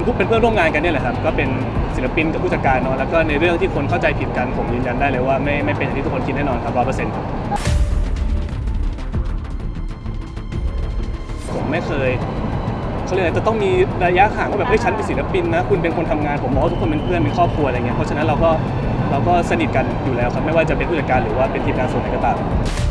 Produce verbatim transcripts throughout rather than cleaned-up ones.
เป็นเพื่อนร่วมงานกันเนี่ยแหละครับก็เป็นศิลปินกับผู้จัดการเนาะแล้วก็ในเรื่องที่คนเข้าใจผิดกันผมยืนยันได้เลยว่าไม่ไม่เป็นอย่างที่ทุกคนคิดแน่นอนครับร้อยเปอร์เซ็นต์ครับผมไม่เคยเขาเรียกอะไรจะต้องมีระยะห่างว่าแบบเฮ้ยฉันเป็นศิลปินนะคุณเป็นคนทำงานผมมองว่าทุกคนเป็นเพื่อนเป็นครอบครัวอะไรเงี้ยเพราะฉะนั้นเราก็เราก็สนิทกันอยู่แล้วครับไม่ว่าจะเป็นผู้จัดการหรือว่าเป็นทีมงานส่วนไหนก็ตาม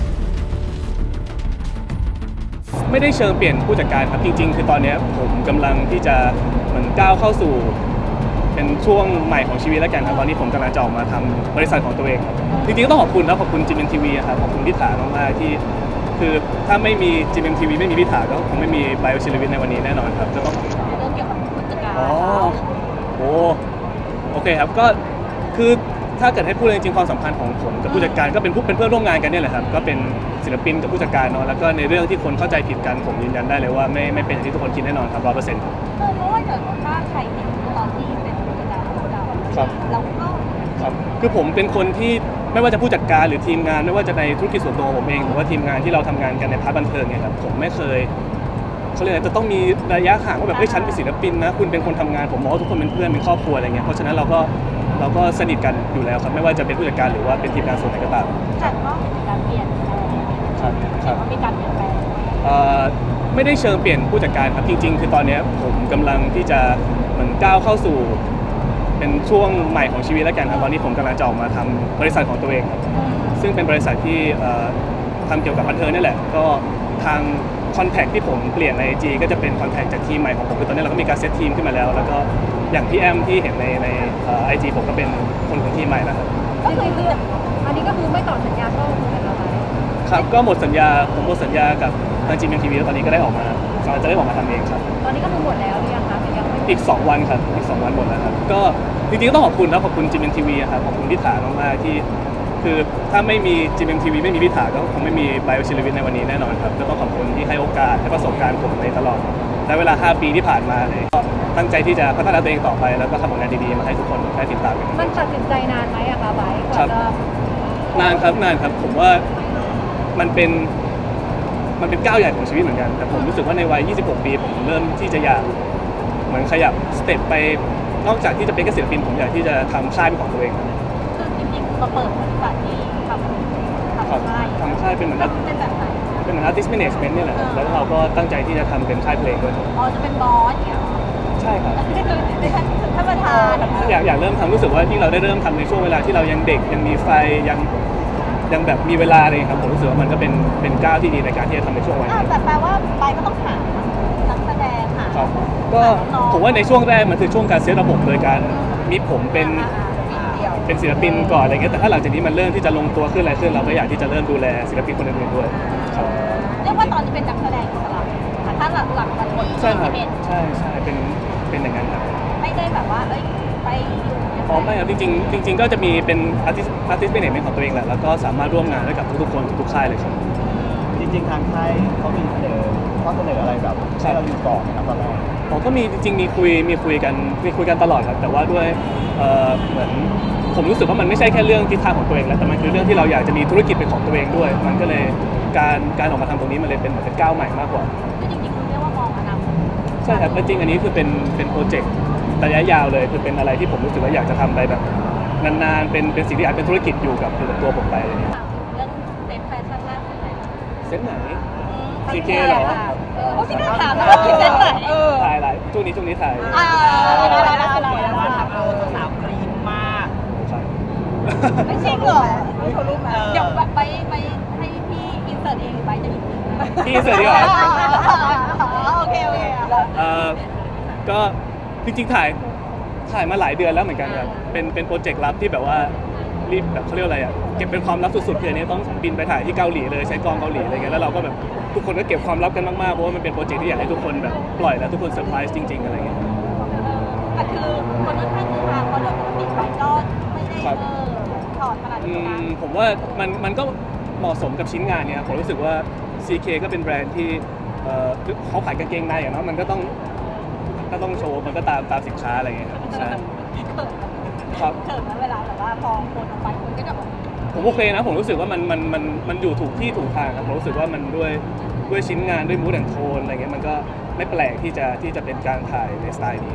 ไม่ได้เชิงเปลี่ยนผู้จัดการครับจริงๆคือตอนนี้ผมกำลังที่จะเหมือนก้าวเข้าสู่เป็นช่วงใหม่ของชีวิตแล้วกันครับตอนนี้ผมกำลังจะออกมาทำบริษัทของตัวเองจริงๆก็ต้องขอบคุณนะขอบคุณจีเอ็มทีวีครับขอบคุณพิธามากๆที่คือถ้าไม่มีจีเอ็มทีวีไม่มีพิธาก็คงไม่มีไบโอชิลวิทในวันนี้แน่นอนครับจะต้องเรื่องเกี่ยวกับผู้จัดการอ๋อโอ้โอเคครับก็คือถ้าเกิดให้พูดจริงๆความสัมพันธ์ของผมกับผู้จัดการก็เป็นผู้เป็นเพื่อนร่วมงานกันเนี่ยแหละครับก็เป็นศิลปินกับผู้จัดการเนาะแล้วก็ในเรื่องที่คนเข้าใจผิดกันผมยืนยันได้เลยว่าไม่ไม่เป็นอย่างที่ทุกคนคิดแน่นอนครับร้อยเปอร์เซ็นต์เออเพราะว่าเกิดว่าใครเห็นตอนที่เป็นผู้จัดการของเราครับเราก็ครับคือผมเป็นคนที่ไม่ว่าจะผู้จัดการหรือทีมงานไม่ว่าจะในธุรกิจส่วนตัวผมเองหรือว่าทีมงานที่เราทำงานกันในพาร์ทบันเทิงเนี่ยครับผมไม่เคยเขาเรียกอะไรจะต้องมีระยะห่างว่าแบบเฮ้ยฉันเป็นศิลปินนะคุณเป็นคนทำงานผมมองว่าทุกคนเป็นเพื่อนเป็นครอบครัวอะไรเงี้ยเพราะฉะนั้นเราก็เราก็สนิทกันอยู่แล้วครับไม่ว่าจะเป็นผู้จัดการหรือว่าเป็นทีมงานส่วนไหนก็ตามแต่ก็มีการเปลี่ยนครับครับมีการเปลี่ยนแปลงเอ่อไม่ได้เชิงเปลี่ยนผู้จัดการครับจริงๆคือตอนนี้ผมกำลังที่จะเหมือนก้าวเข้าสู่เป็นช่วงใหม่ของชีวิตแล้วกันครับตอนนี้ผมกำลังจะออกมาทำบริษัทของตัวเองครับซึ่งเป็นบริษัทที่ทำเกี่ยวกับบันเทิงนี่แหละก็ทางคอนแทคที่ผมเปลี่ยนใน ไอ จี ก็จะเป็นคอนแทคจากทีมใหม่ของผมคือตอนนี้เราก็มีการเซตทีมขึ้นมาแล้วแล้วก็อย่างพี่แอมที่เห็นในในไอจีผมก็เป็นคนของทีมใหม่แล้วครับก็คืออันนี้ก็คือไม่ต่อสัญญาก็เหมือนเราไปครับก็หมดสัญญาผมหมดสัญญากับทางจีเอ็มทีวีแล้วตอนนี้ก็ได้ออกมาจะได้ออกมาทำเองครับตอนนี้ก็คือหมดแล้วหรือยังคะหรือยังไม่อีกสองวันครับอีกสองวันหมดแล้วครับก็จริงๆก็ต้องขอบคุณนะขอบคุณจีเอ็มทีวีครับขอบคุณพิธามากๆที่คือถ้าไม่มี จี เอ็ม ที วี ไม่มีพิธาก็คงไม่มีไบโอชิลวิทในวันนี้แน่นอนครับก็ต้องขอบคุณที่ให้โอกาสให้ประสบการณ์ผมในตลอดและเวลาห้าปีที่ผ่านมาเลยก็ตั้งใจที่จะพัฒนาตัวเองต่อไปแล้วก็ทำผลงานดีๆมาให้ทุกคนได้ติดตามกันมันตัดสินใจนานไหมอะคะไบค์กว่าจะนานครับนานครับผมว่ามันเป็นมันเป็นก้าวใหญ่ของชีวิตเหมือนกันแต่ผมรู้สึกว่าในวัยยี่สิบหกปีผมเริ่มที่จะอยากเหมือนขยับสเต็ปไปนอกจากที่จะเป็นแค่ศิลปินผมอยากที่จะทำค่ายเป็นของตัวเองคือจริงๆมาเปิดบริษัทที่ทำทำค่ายทำค่ายเป็นเหมือนเป็นแบบไหนเป็นเหมือน artist management นี่แหละแล้วเราก็ตั้งใจที่จะทำเป็นค่ายเพลงด้วยอ๋อจะเป็นบอสอย่างเงี้ยใช่ครับท่านประธานอยากอยากเริ่มทำรู้สึกว่ายิ่งเราได้เริ่มทำในช่วงเวลาที่เรายังเด็กยังมีไฟยังยังแบบมีเวลาเลยครับผมรู้สึกว่ามันก็เป็นเป็นก้าวที่ดีในการที่จะทำในช่วงวัยนี้แต่แปลว่าไปก็ต้องหานักแสดงค่ะก็ผมว่าในช่วงแรกมันคือช่วงการเซตระบบโดยการมีผมเป็นเป็นศิลปินก่อนอะไรเงี้ยแต่ถ้าหลังจากนี้มันเริ่มที่จะลงตัวขึ้นอะไรขึ้นเราก็อยากที่จะเริ่มดูแลศิลปินคนอื่นๆด้วยครับเรียกว่าตอนนี้เป็นนักแสดงอิสระถ้าหลักหลักมันใช่ครับใช่ใช่เป็นเป็นอย่างนั้นครับไม่ได้แบบว่าเอ้ยไปอ๋อไม่ครับจริงๆจริงๆก็จะมีเป็นอาร์ติสต์อาร์ติสต์เป็นเอกของตัวเองแหละแล้วก็สามารถร่วมงานได้กับทุกๆคนทุกๆค่ายเลยครับจริงๆทางค่ายเขามีเสนอข้อเสนออะไรแบบให้เราอยู่ก่อนนะครับตอนแรกผมก็มีจริงๆมีคุยมีคุยกันมีคุยกันตลอดครับแต่ว่าด้วยเอ่อเหมือนผมรู้สึกว่ามันไม่ใช่แค่เรื่องทิศทางของตัวเองแล้วแต่มันคือเรื่องที่เราอยากจะมีธุรกิจเป็นของตัวเองด้วยมันก็เลยการการออกมาทำตรงนี้มันเลยเป็นเหมือนเป็นก้าวใหม่มากกว่าจริงๆคุณเรียกว่ามองอนาคตใช่ครับจริงๆอันนี้คือเป็นเป็นโปรเจกต์ระยะยาวเลยคือเป็นอะไรที่ผมรู้สึกว่าอยากจะทำไปแบบนานๆเป็นเป็นสิ่งที่อาจเป็นธุรกิจอยู่กับอยู่กับตัวผมไปเรื่องเซ็ตแฟชั่นล่าสุดไหนเซ็ตไหนซีเคเหรอโอ้พี่น่าถามนะเซ็ตไหนถ่ายอะไรช่วงนี้ช่วงนี้ถ่ายอ่าได้ได้ได้ได้ว่าทำเอาสาวกรี๊ดมากไม่จริงเหรอไม่โชว์รูปมาเดี๋ยวไปไปให้พี่อินเสิร์ตเองหรือไปจะอินเสิร์ตพี่อินเสิร์ตดีกว่าโอเคโอเคเอ่อก็จริงๆถ่ายถ่ายมาหลายเดือนแล้วเหมือนกันครับเป็นเป็นโปรเจกต์ลับที่แบบว่ารีบแบบเขาเรียกอะไรอ่ะเก็บเป็นความลับสุดๆคืออันนี้ต้องบินไปถ่ายที่เกาหลีเลยใช้กล้องเกาหลีอะไรเงี้ยแล้วเราก็แบบทุกคนก็เก็บความลับกันมากๆเพราะว่ามันเป็นโปรเจกต์ที่อยากให้ทุกคนแบบปล่อยแล้วทุกคนเซอร์ไพรส์จริงๆอะไรเงี้ยแต่คือคนค่อนข้างคือทางเขาโดยปกติไปก็ไม่ได้เออถอดขนาดนี้นะผมว่ามันมันก็เหมาะสมกับชิ้นงานเนี่ยผมรู้สึกว่า ซี เค ก็เป็นแบรนด์ที่เขาขายกางเกงในอ่ะเนาะมันก็ต้องก็ต้องโชว์มันก็ตามตามสินค้าอะไรเงี้ยครับใช่ครับเกิดนะเวลาแบบว่าพอคนออกไปคนก็จะแบบผมโอเคนะผมรู้สึกว่ามันมันมันมันอยู่ถูกที่ถูกทางครับผมรู้สึกว่ามันด้วยด้วยชิ้นงานด้วยมูดแอนด์โทนอะไรเงี้ยมันก็ไม่แปลกที่จะที่จะเป็นการถ่ายในสไตล์นี้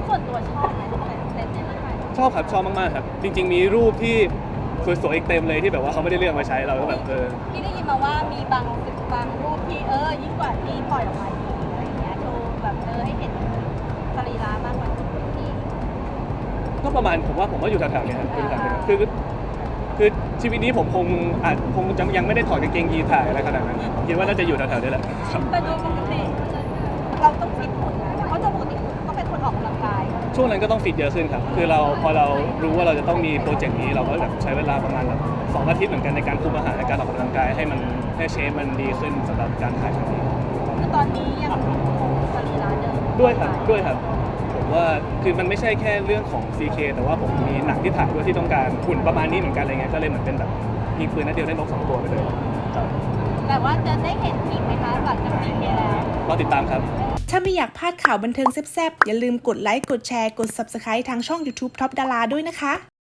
ส่วนตัวชอบไหมเซตในร่างกายชอบครับชอบมากๆครับ จริง ๆ มีรูปที่สวยๆอีกเต็มเลยที่แบบว่าเขาไม่ได้เลือกมาใช้เราก็แบบเออพี่ได้ยินมาว่ามีบางบางรูปที่เออยิ่งกว่าที่ปล่อยออกมาอีกอะไรเงี้ยโชว์แบบเออให้เห็นสรีระมากกว่าที่ก็ประมาณผมว่าผมว่าอยู่แถวๆเนี้ยครับอยู่แถวๆเนี้ยคือคือชีวิตนี้ผมคงอาจคงจะยังไม่ได้ถอดกางเกงยีนถ่ายอะไรขนาดนั้นคิดว่าน่าจะอยู่แถวๆนี้แหละครับแต่โดยปกติเราต้องฟิตหุ่นนะเพราะโดยปกติก็เป็นคนออกกำลังกายช่วงนั้นก็ต้องฟิตเยอะขึ้นครับ คือเราพอเรารู้ว่าเราจะต้องมีโปรเจกต์นี้เราก็แบบใช้เวลาประมาณแบบสองอาทิตย์เหมือนกันในการคุมอาหารในการออกกำลังกายให้มันให้เชฟมันดีขึ้นสำหรับการถ่ายครั้งนี้คือตอนนี้ยังคงสรีระเดิมด้วยครับด้วยครับผมว่าคือมันไม่ใช่แค่เรื่องของ ซี เค แต่ว่าผมมีหนังที่ถ่ายด้วยที่ต้องการหุ่นประมาณนี้เหมือนกันอะไรเงี้ยก็เลยเหมือนเป็นแบบยิงปืนนัดเดียวได้นกสองตัวไปเลยครับแต่ว่าจะได้เห็นอีกไหมคะหลังจากนี้แล้วรอติดตามครับถ้าไม่อยากพลาดข่าวบันเทิงแซ่บๆอย่าลืมกดไลค์ กดแชร์ กด ซับสไครบ์ ทางช่อง ยูทูบ ท็อปดารา ด้วยนะคะ